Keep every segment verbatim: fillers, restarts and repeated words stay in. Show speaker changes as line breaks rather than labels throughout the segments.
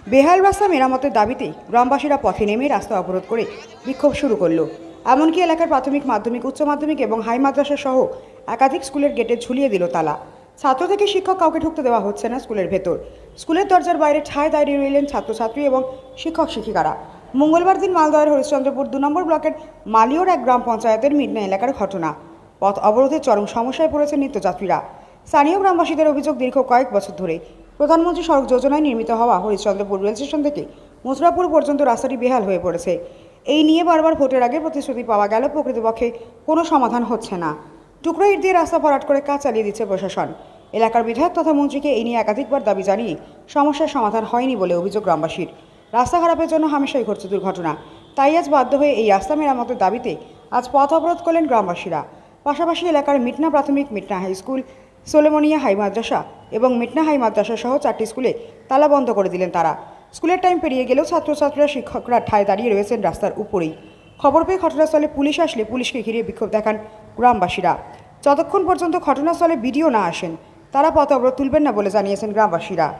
বেহাল রাস্তা মেরামতের দাবিতে গ্রামবাসীরা পথে নেমে রাস্তা অবরোধ করে বিক্ষোভ শুরু করলো। এমনকি এলাকার প্রাথমিক, মাধ্যমিক, উচ্চ মাধ্যমিক এবং হাই মাদ্রাসা সহ একাধিক স্কুলের গেটে ঝুলিয়ে দিল তালা। ছাত্র থেকে শিক্ষক কাউকে ঢুকতে দেওয়া হচ্ছে না স্কুলের ভেতর। স্কুলের দরজার বাইরে ঠায় দাঁড়িয়ে রইলেন ছাত্রছাত্রী এবং শিক্ষক শিক্ষিকারা। মঙ্গলবার দিন মালদহের হরিশ্চন্দ্রপুর দু নম্বর ব্লকের মালিয়র এক গ্রাম পঞ্চায়েতের মিডনা এলাকার ঘটনা। পথ অবরোধে চরম সমস্যায় পড়েছেন নিত্যযাত্রীরা। স্থানীয় গ্রামবাসীদের অভিযোগ, দীর্ঘ কয়েক বছর ধরে প্রধানমন্ত্রী সড়ক যোজনায় নির্মিত হওয়া হরিশ্চন্দ্রপুর রেল স্টেশন থেকে মথুরাপুর পর্যন্ত রাস্তাটি বেহাল হয়ে পড়েছে। এই নিয়ে বারবার ভোটের আগে প্রতিশ্রুতি পাওয়া গেল, প্রকৃতপক্ষে কোনো সমাধান হচ্ছে না। টুকরো ইট দিয়ে রাস্তা ভরাট করে কাজ চালিয়ে দিচ্ছে প্রশাসন। এলাকার বিধায়ক তথা মন্ত্রীকে এই নিয়ে একাধিকবার দাবি জানিয়ে সমস্যার সমাধান হয়নি বলে অভিযোগ গ্রামবাসীর। রাস্তা খারাপের জন্য হামেশাই ঘটছে দুর্ঘটনা। তাই আজ বাধ্য হয়ে এই রাস্তা মেরামতের দাবিতে আজ পথ অবরোধ করলেন গ্রামবাসীরা। পাশাপাশি এলাকার মিটনা প্রাথমিক, Mitna high school, Solemania high মাদ্রাসা এবং মিটনা হাই মাদ্রাসা সহ চারটি স্কুলে তালা বন্ধ করে দিলেন তারা। স্কুলের টাইম পেরিয়ে গেলেও ছাত্রছাত্রীরা, শিক্ষকরা ঠায় দাঁড়িয়ে রয়েছেন রাস্তার উপরেই। খবর পেয়ে ঘটনাস্থলে পুলিশ আসলে পুলিশকে ঘিরে বিক্ষোভ দেখান গ্রামবাসীরা। যতক্ষণ পর্যন্ত ঘটনাস্থলে ভিডিও না আসেন তারা পথ অবরোধ তুলবেন না বলে জানিয়েছেন গ্রামবাসীরা।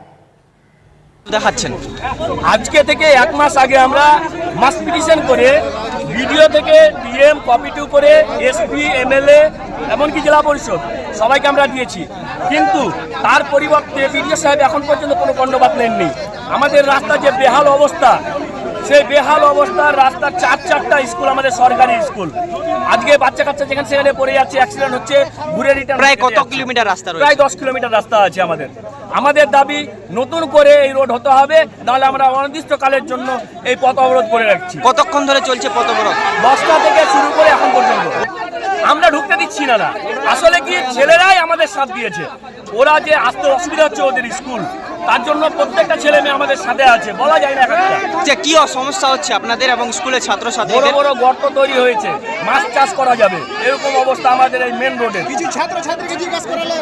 দেখাচ্ছেন
আজকে থেকে এক মাস আগে আমরা মাস পিটিশন করে ভিডিও থেকে ডিএম, কপি টু করে এসপি, এমএলএ এমনকি জেলা পরিষদ সবাইকে আমরা দিয়েছি, কিন্তু তার পরিবর্তে বিডিও সাহেব এখন পর্যন্ত কোনো কর্ণপাত নেননি। আমাদের রাস্তার যে বেহাল অবস্থা, সেই বেহাল অবস্থার রাস্তার চার চারটা স্কুল আমাদের সরকারি স্কুল, আজকে বাচ্চা কাচ্চা যেখানে সেখানে পড়ে যাচ্ছে, অ্যাক্সিডেন্ট হচ্ছে, ঘুরে রিটার্ন।
প্রায় কত কিলোমিটার রাস্তা রয়েছে?
প্রায় দশ কিলোমিটার রাস্তা আছে আমাদের। আমাদের দাবি নতুন করে এই রোড হতে হবে, নাহলে আমরা অনির্দিষ্টকালের জন্য এই পথ অবরোধ করে রাখছি।
কতক্ষণ ধরে চলছে পথ অবরোধ?
দশটা থেকে শুরু করে এখন পর্যন্ত আমরা ঢুকতে দিচ্ছি না না আসলে কি, ছেলেরাই আমাদের সাথ দিয়েছে। ওরা যে আসতে অসুবিধা হচ্ছে ওদের স্কুল, তার জন্য প্রত্যেকটা ছেলে মেয়ে আমাদের সাথে আছে, বলা যায় না
যে কি সমস্যা হচ্ছে আপনাদের এবং স্কুলের ছাত্রছাত্রী?
বড় বড় গর্ত তৈরি হয়েছে, মাছ চাষ করা যাবে এরকম অবস্থা আমাদের এই মেন রোডে।
কিছু ছাত্রছাত্রীকে জিজ্ঞাসা করালেন।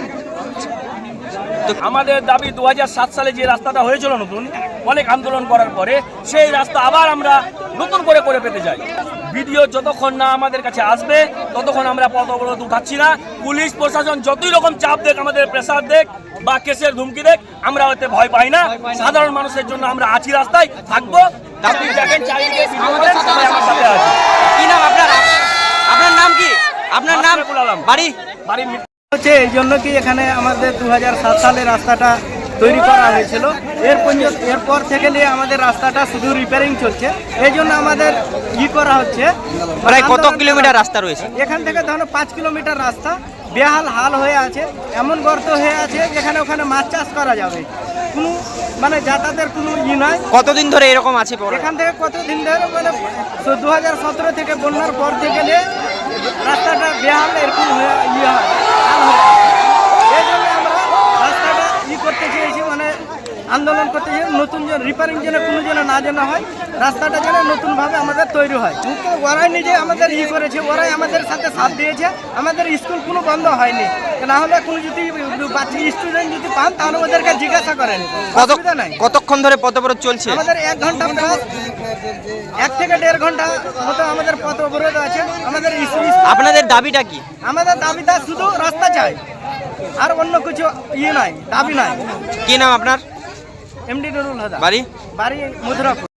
আমাদের দাবি দু হাজার সাত সালে যে রাস্তাটা হয়েছিল নতুন, অনেক আন্দোলন করার পরে সেই রাস্তা আবার আমরা নতুন করে করে পেতে চাই। ভিডিও যতক্ষণ না আমাদের কাছে আসবে ততক্ষণ আমরা পথ অবরোধ উঠাচ্ছি না। পুলিশ প্রশাসন যতই রকম চাপ দেখ, আমাদের প্রেসার দেখ বা কেসের ধুমকি দেখ, আমরা ওতে ভয় পাই না। সাধারণ মানুষের জন্য আমরা আছি, রাস্তায় থাকবো। আপনি দেখেন চারিদিকে সাথে আছে।
কি নাম আপনার? আপনার নাম কি? আপনার নাম? বাড়ি
বাড়ি
হচ্ছে এই জন্য কি এখানে আমাদের দু হাজার সাত সালে রাস্তাটা তৈরি করা হয়েছিল। এর এরপর থেকে নিয়ে আমাদের রাস্তাটা শুধু রিপেয়ারিং চলছে। এই জন্য আমাদের ই করা হচ্ছে।
প্রায় কত কিলোমিটার রাস্তা রয়েছে?
এখান থেকে ধরো পাঁচ কিলোমিটার রাস্তা বেহাল হাল হয়ে আছে, এমন গর্ত হয়ে আছে যেখানে ওখানে মাছ চাষ করা যাবে, কোনো মানে যাতায়াতের কোনো ই নয়।
কতদিন ধরে এরকম আছে?
এখান থেকে কতদিন ধরে মানে দু হাজার সতেরো থেকে বন্যার পর থেকে নিয়ে রাস্তাটা বেহাল এরকম হয়ে ইয়ে হয়, হাল হয়ে এই জন্য আমরা রাস্তাটা ই করতে চেয়েছি, মানে আন্দোলন করতে চেয়েছি নতুন যেন রিপেয়ারিং যেন কোনো যেন না যেন হয়, রাস্তাটা যেন নতুনভাবে আমাদের তৈরি হয়। কিন্তু ওরাই নিজে আমাদের ই করেছে, ওরাই আমাদের সাথে সাথ দিয়েছে। আমাদের স্কুল কোনো বন্ধ হয়নি, না হলে কোনো যদি বাচ্চা স্টুডেন্ট যদি পান তাহলে ওদেরকে জিজ্ঞাসা করেন। অসুবিধা নাই।
কতক্ষণ ধরে পথ অবরোধ চলছে?
আমাদের এক ঘন্টা প্লাস, এক থেকে দেড় ঘন্টা মতো আমাদের পথ অবরোধ আছে। আমাদের
আপনাদের দাবিটা কি?
আমাদের দাবিটা শুধু রাস্তা চাই, আর অন্য কিছু ইয়ে নাই, দাবি নাই।
কি নাম আপনার?
এমডি নুরুল হুদা।
বাড়ি?
বাড়ি মথুরাপুর।